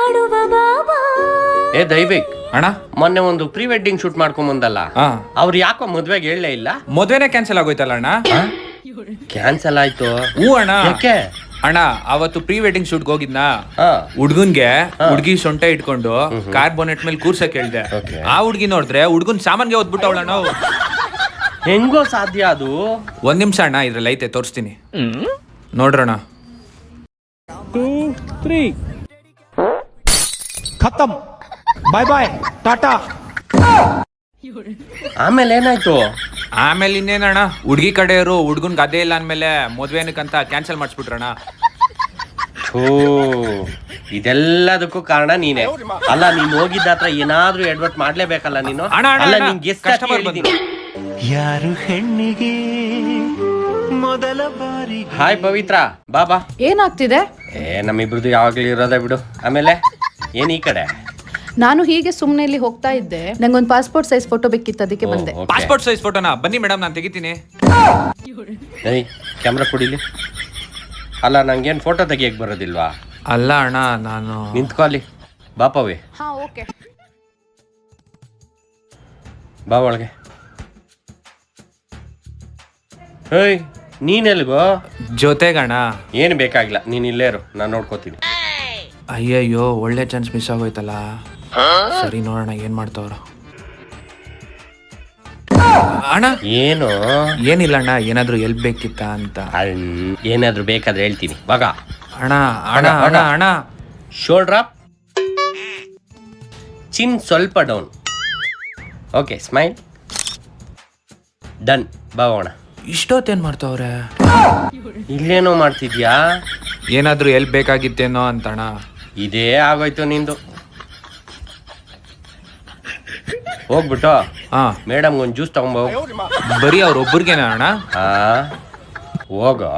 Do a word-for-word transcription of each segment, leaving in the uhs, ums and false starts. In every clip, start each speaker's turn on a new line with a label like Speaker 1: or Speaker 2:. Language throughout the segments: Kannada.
Speaker 1: ಮಾಡುವ ಬಾಬಾ.
Speaker 2: ಏ ದೈವಿಕ್
Speaker 3: ಅಣ್ಣ
Speaker 2: ಮೊನ್ನೆ ಒಂದು ಪ್ರೀ ವೆಡ್ಡಿಂಗ್ ಶೂಟ್ ಮಾಡ್ಕೊಂಡ್ ಬಂದಲ್ಲ,
Speaker 3: ಹಾ
Speaker 2: ಅವ್ರು ಯಾಕೋ ಮದ್ವೆಗೆ ಹೇಳಲೇ ಇಲ್ಲ.
Speaker 3: ಮದ್ವೆನೇ ಕ್ಯಾನ್ಸಲ್ ಆಗೋಯ್ತಲ್ಲ ಅಣ್ಣ.
Speaker 2: ಕ್ಯಾನ್ಸಲ್ ಆಯ್ತು.
Speaker 3: ಹೂ ಅಣ್ಣ.
Speaker 2: ಯಾಕೆ
Speaker 3: ಅಣ್ಣ ಅವತ್ತು ಪ್ರೀ ವೆಡ್ಡಿಂಗ್ ಶೂಟ್ ಹೋಗಿದ್ನಾ,
Speaker 2: ಹಾ
Speaker 3: ಹುಡ್ಗನ್ಗೆ ಹುಡ್ಗಿ ಸೊಂಟ ಇಟ್ಕೊಂಡು ಕಾರ್ ಬೋನೆಟ್ ಮೇಲೆ ಕೂರ್ಸಕ್ ಹೇಳ್ದೆ.
Speaker 2: Okay.
Speaker 3: ಆ ಹುಡ್ಗಿ ನೋಡಿದ್ರೆ ಹುಡ್ಗನ್ ಸಾಮಾನ್ಗೆ ಓದ್ಬಿಟ್ಟವಳ ನಾವು.
Speaker 2: ಹೆಂಗೋ ಸಾಧ್ಯ ಅದು?
Speaker 3: ಒಂದ್ ನಿಮಿಷ ಅಣ್ಣ, ಇದ್ರಲ್ಲಿ ಐತೆ ತೋರಿಸ್ತೀನಿ ನೋಡ್ರಣ್ಣ.
Speaker 4: ಟೂ ತ್ರೀ ಖತಮ್, ಬಾಯ್ ಬಾಯ್ ಟಾಟಾ.
Speaker 2: ಆಮೇಲೆ ಏನಾಯ್ತು?
Speaker 3: ಆಮೇಲೆ ಇನ್ನೇನಣ್ಣ, ಹುಡ್ಗಿ ಕಡೆಯವರು ಹುಡ್ಗನ್ ಗದ್ದೆ ಇಲ್ಲ ಅಂದ್ಮೇಲೆ ಮದ್ವೆ ಏನಕ್ಕಂತ ಕ್ಯಾನ್ಸಲ್ ಮಾಡಿಸ್ಬಿಟ್ರಣ್ಣ.
Speaker 2: ಥೂ, ಇದೆಲ್ಲದಕ್ಕೂ ಕಾರಣ ನೀನೆ ಅಲ್ಲ. ನೀನ್ ಹೋಗಿದ್ದ ಹತ್ರ ಏನಾದ್ರೂ ಎಡ್ವರ್ಟ್ ಮಾಡ್ಲೇಬೇಕಲ್ಲ ನೀನು.
Speaker 3: ಅಣ್ಣ, ಅಣ್ಣ,
Speaker 2: ಅಲ್ಲ
Speaker 3: ಅಣ್ಣ,
Speaker 2: ನಿನ್ ಗೆಸ್ಟ್
Speaker 3: customer ಬಂದ್ರು.
Speaker 5: ಯಾರು ಹೆಣ್ಣಿಗೆ ಮೊದಲ ಬಾರಿ.
Speaker 2: ಹಾಯ್ ಪವಿತ್ರ, ಬಾಬಾ.
Speaker 6: ಏನಾಗ್ತಿದೆ?
Speaker 2: ಏ ನಮ್ಮಿಬ್ರದ್ದು ಯಾವಾಗ್ಲೂ ಇರೋದೇ ಬಿಡು. ಆಮೇಲೆ ಏನ್ ಈ ಕಡೆ?
Speaker 6: ನಾನು ಹೀಗೆ ಸುಮ್ಮನೆ ಇಲ್ಲಿ ಹೋಗ್ತಾ ಇದ್ದೆ, ನಂಗೊಂದು ಪಾಸ್ಪೋರ್ಟ್ ಸೈಜ್ ಫೋಟೋ ಬೇಕಿತ್ತು, ಅದಕ್ಕೆ ಬಂದೆ.
Speaker 2: ಓ, okay.
Speaker 3: ಪಾಸ್ಪೋರ್ಟ್ ಸೈಜ್ ಫೋಟೋನಾ? ಬನ್ನಿ ಮೇಡಮ್, ನಾನು ತೆಗಿತೀನಿ.
Speaker 2: ಏಯ್ ಕ್ಯಾಮ್ರಾ ಕೊಡಿಲಿ. ಅಲ್ಲ ನಂಗೇನ್ ಫೋಟೋ ತೆಗಿಯಕ್ ಬರೋದಿಲ್ವಾ?
Speaker 3: ಅಲ್ಲ ಅಣ್ಣ, ನಾನು
Speaker 2: ನಿಂತ್ಕೊಳ್ಳಿ. ಬಾಪವಿ,
Speaker 6: ಹಾ ಓಕೆ.
Speaker 2: ಬಾ ಒಳಗೆ. ಏಯ್ ನೀನೆಲ್ಗೋ?
Speaker 3: ಜೊತೆಗಣ.
Speaker 2: ಏನು ಬೇಕಾಗಿಲ್ಲ, ನೀನ್ ಇಲ್ಲೇ ಇರು, ನಾನು ನೋಡ್ಕೋತೀನಿ.
Speaker 3: ಅಯ್ಯಯ್ಯೋ, ಒಳ್ಳೆ ಚಾನ್ಸ್ ಮಿಸ್ ಆಗೋಯ್ತಲ್ಲ. ಸರಿ ನೋಡೋಣ ಏನ್ ಮಾಡ್ತಾವ್ರ. ಅಣ್ಣ
Speaker 2: ಏನು?
Speaker 3: ಏನಿಲ್ಲ ಅಣ್ಣ, ಏನಾದ್ರು ಎಲ್ಪ್ ಬೇಕಿತ್ತ ಅಂತ.
Speaker 2: ಅಣ್- ಏನಾದ್ರೂ ಬೇಕಾದ್ರೆ ಹೇಳ್ತೀನಿ. ಬಾಗ
Speaker 3: ಅಣ್ಣ ಅಣ್ಣ ಅಣ್ಣ ಅಣ್ಣ
Speaker 2: ಶೋಲ್ಡ್ರ್ ಅಪ್, ಚಿನ್ ಸ್ವಲ್ಪ ಡೌನ್. Okay, smile done. ಬಾವೋಣ.
Speaker 3: ಇಷ್ಟೊತ್ತೇನ್ ಮಾಡ್ತಾವ್ರೆ?
Speaker 2: ಇಲ್ಲೇನೋ ಮಾಡ್ತಿದ್ಯಾ?
Speaker 3: ಏನಾದ್ರು ಎಲ್ಪ್ ಬೇಕಾಗಿತ್ತೇನೋ ಅಂತಣ್ಣ.
Speaker 2: ಇದೇ ಆಗೋಯ್ತು ನಿಂದು. ಹೋಗ್ಬಿಟ್ಟು
Speaker 3: ಹಾ
Speaker 2: ಮೇಡಮ್ ಒಂದು ಜ್ಯೂಸ್ ತಗೊಂಬೋ.
Speaker 3: ಬರೀ ಅವ್ರ ಒಬ್ಬರಿಗೇನ ಅಣ್ಣ?
Speaker 2: ಹಾ ಹೋಗೋ.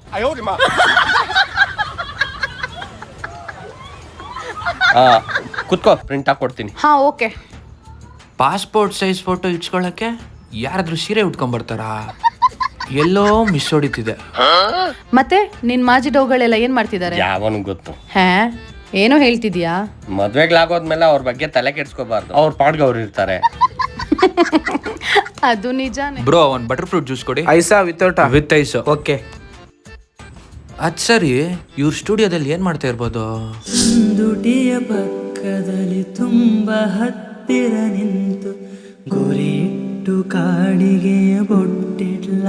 Speaker 2: ಹಾ ಕುತ್ಕೋ, ಪ್ರಿಂಟ್ ಹಾಕೊಡ್ತೀನಿ.
Speaker 6: ಹಾ ಓಕೆ.
Speaker 3: ಪಾಸ್ಪೋರ್ಟ್ ಸೈಜ್ ಫೋಟೋ ಇಟ್ಸ್ಕೊಳಕ್ಕೆ ಯಾರಾದ್ರೂ ಸೀರೆ ಉಟ್ಕೊಂಡ್ಬರ್ತಾರಾ? ಎಲ್ಲೋ ಮಿಸ್ ಹೊಡಿತಿದೆ.
Speaker 6: ಮತ್ತೆ ನಿನ್ ಮಾಜಿ ಡೌಗಳೆಲ್ಲ ಏನ್ ಮಾಡ್ತಿದ್ದಾರೆ?
Speaker 2: ಯಾವನು ಗೊತ್ತು.
Speaker 6: ಹಾ ಏನೋ ಹೇಳ್ತಿದ್ಯಾ?
Speaker 2: ಮದ್ವೆಗ್ಲಾಗೋದ್ಮೇಲೆ ಅವ್ರ ಬಗ್ಗೆ ತಲೆ ಕೆಡ್ಸ್ಕೋಬಾರ್ದು. ಅವ್ರ ಪಾಡ್ಗೆ ಅವ್ರು ಇರ್ತಾರೆ.
Speaker 6: ಅದು ನಿಜಾನೇ.
Speaker 3: ಬ್ರೋ, ಒಂದ್ ಬಟರ್ ಫ್ರೂಟ್ ಜ್ಯೂಸ್ ಕೊಡಿ.
Speaker 4: ಐಸಾ ವಿತೌಟ್
Speaker 3: ವಿತ್ ಐಸ್.
Speaker 4: ಓಕೆ.
Speaker 3: ಅದ್ ಸರಿ, ಇವ್ರ ಸ್ಟುಡಿಯೋದಲ್ಲಿ ಏನ್ ಮಾಡ್ತಾ ಇರ್ಬೋದು?
Speaker 7: ದುಟಿಯ ಪಕ್ಕದಲ್ಲಿ ತುಂಬ ಹತ್ತಿರ ನಿಂತು ಗುರಿಯಿಟ್ಟು ಕಾಡಿಗೆಯ ಬೊಟ್ಟಿಡ್ಲ.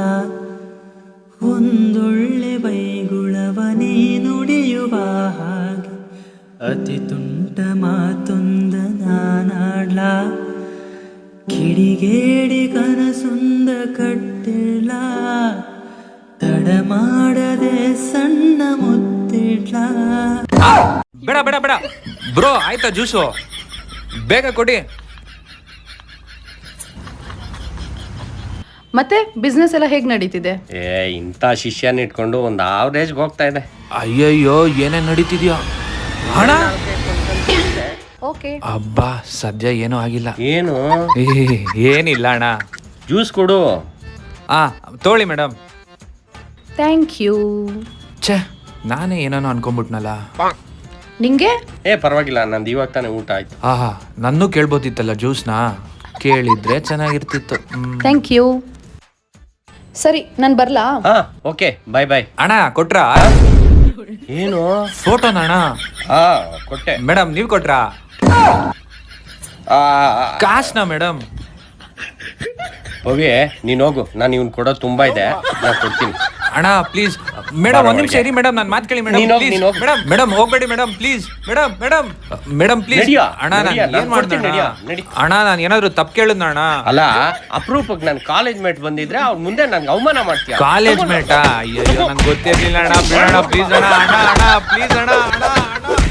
Speaker 7: ಒಂದೊಳ್ಳೆ ಬೈಗುಳವನೇ ನುಡಿಯುವ ಹಾಗೆ ಅತಿ ತುಂಟ ಮಾತೊಂದ ನಾನಾಡ್ಲ. ಕಿಡಿಗೇಡಿ ಕನಸೊಂದ ಕಟ್ಟಿಡ್ಲ, ತಡ ಮಾಡದೆ ಸಣ್ಣ ಮುತ್ತಿಡ್ಲ.
Speaker 3: ಬೇಡ ಬೇಡ ಬೇಡ ಬ್ರೋ, ಆಯ್ತಾ ಜ್ಯೂಸು? ಬೇಗ ಕೊಡಿ.
Speaker 6: ಮತ್ತೆ ಬಿಸ್ನೆಸ್ ಎಲ್ಲ ಹೇಗ್ ನಡೀತಿದೆ?
Speaker 2: ಏ ಇಂಥ ಶಿಷ್ಯನ ಇಟ್ಕೊಂಡು ಒಂದು ಆವ್ರೇಜ್ಗೆ ಹೋಗ್ತಾ ಇದೆ.
Speaker 3: ಅಯ್ಯಯ್ಯೋ, ಏನೇ ನಡೀತಿದ್ಯಾ ಹಣ?
Speaker 6: ಓಕೆ.
Speaker 3: ಅಬ್ಬಾ, ಸದ್ಯ ಏನೂ ಆಗಿಲ್ಲ.
Speaker 2: ಏನು?
Speaker 3: ಏ, ಏನಿಲ್ಲ ಅಣ್ಣ.
Speaker 2: ಜ್ಯೂಸ್ ಕೊಡು.
Speaker 3: ಆ ತೋಳಿ ಮೇಡಮ್.
Speaker 6: Thank you.
Speaker 3: ಛೇ, ನಾನೇ ಏನೋ ಅನ್ಕೊಂಡ್ಬಿಟ್ನಲ್ಲ.
Speaker 6: ನಿಂಗೆ?
Speaker 2: ಏ ಪರವಾಗಿಲ್ಲ, ನಂದು ಇವಾಗ ತಾನೇ ಊಟ ಆಯ್ತು.
Speaker 3: ಆಹಾ, ನನ್ನೂ ಕೇಳ್ಬೋದಿತ್ತಲ್ಲ ಜ್ಯೂಸ್ನ. ಕೇಳಿದ್ರೆ ಚೆನ್ನಾಗಿರ್ತಿತ್ತು.
Speaker 6: Thank you. ಸರಿ, ನಾನು ಬರ್ಲಾ?
Speaker 2: ಹಾ ಓಕೆ, ಬಾಯ್ ಬಾಯ್.
Speaker 3: ಅಣ್ಣ ಕೊಟ್ರಾ?
Speaker 2: ಏನು?
Speaker 3: ಫೋಟೋನ ಅಣ್ಣ?
Speaker 2: ಹಾ ಕೊಟ್ಟೆ.
Speaker 3: ಮೇಡಮ್ ನೀವ್ ಕೊಟ್ರಾ?
Speaker 2: ಆ,
Speaker 3: ಕಾಸ್ನ ಮೇಡಮ್?
Speaker 2: ಪವಿ ನೀನ್ ಹೋಗು, ನಾನು ಇವ್ನು ಕೊಡೋದು ತುಂಬಾ ಇದೆ, ನಾನು ಕೊಡ್ತೀನಿ.
Speaker 3: ಅಣ್ಣ ಪ್ಲೀಸ್ ಮೇಡಮ್, ಒಂದ್ ನಿಮಿಷ ಇರಿ ಮೇಡಮ್, ನಾನು ಮಾತು ಕೇಳಿ ಮೇಡಮ್.
Speaker 2: ನೀನ್ ಹೋಗ್, ನೀನ್ ಹೋಗ್.
Speaker 3: ಮೇಡಮ್ ಮೇಡಮ್ ಹೋಗ್ಬೇಡಿ madam, please madam madam madam please.
Speaker 2: ನಡಿಯಾ,
Speaker 3: ಅಣ್ಣ ನಾನು
Speaker 2: ನಡಿಯಾ,
Speaker 3: ಏನ್
Speaker 2: ನಾನ್ ಕೊಡ್ತೀನಿ,
Speaker 3: ಮಾಡ್ದೆ
Speaker 2: ನಡಿಯಾ,
Speaker 3: ಅಣ್ಣ?
Speaker 2: ನಡಿ.
Speaker 3: ಅಣ್ಣ ನಾನು ಏನಾದ್ರು ತಪ್ಪು ಕೇಳಿದ್ನ ಅಣ್ಣ?
Speaker 2: ಅಲ್ಲ, ಅಪರೂಪಕ್ಕೆ ನನ್ನ ಕಾಲೇಜ್ ಮೇಟ್ ಬಂದಿದ್ರೆ ಅವ್ರ ಮುಂದೆ ನನ್ಗೆ ಅವಮಾನ ಮಾಡ್ತೀಯ.
Speaker 3: ಕಾಲೇಜ್ ಮೇಟಾ? ಅಯ್ಯೋ ನಂಗೆ ಗೊತ್ತಿರ್ಲಿಲ್ಲ ಅಣ್ಣ, ಬಿಡೋಣ ಪ್ಲೀಸ್ ಅಣ್ಣ. ಅಣ್ಣ ಅಣ್ಣ ಪ್ಲೀಸ್ ಅಣ್ಣ, ಅಣ್ಣ ಅಣ್ಣ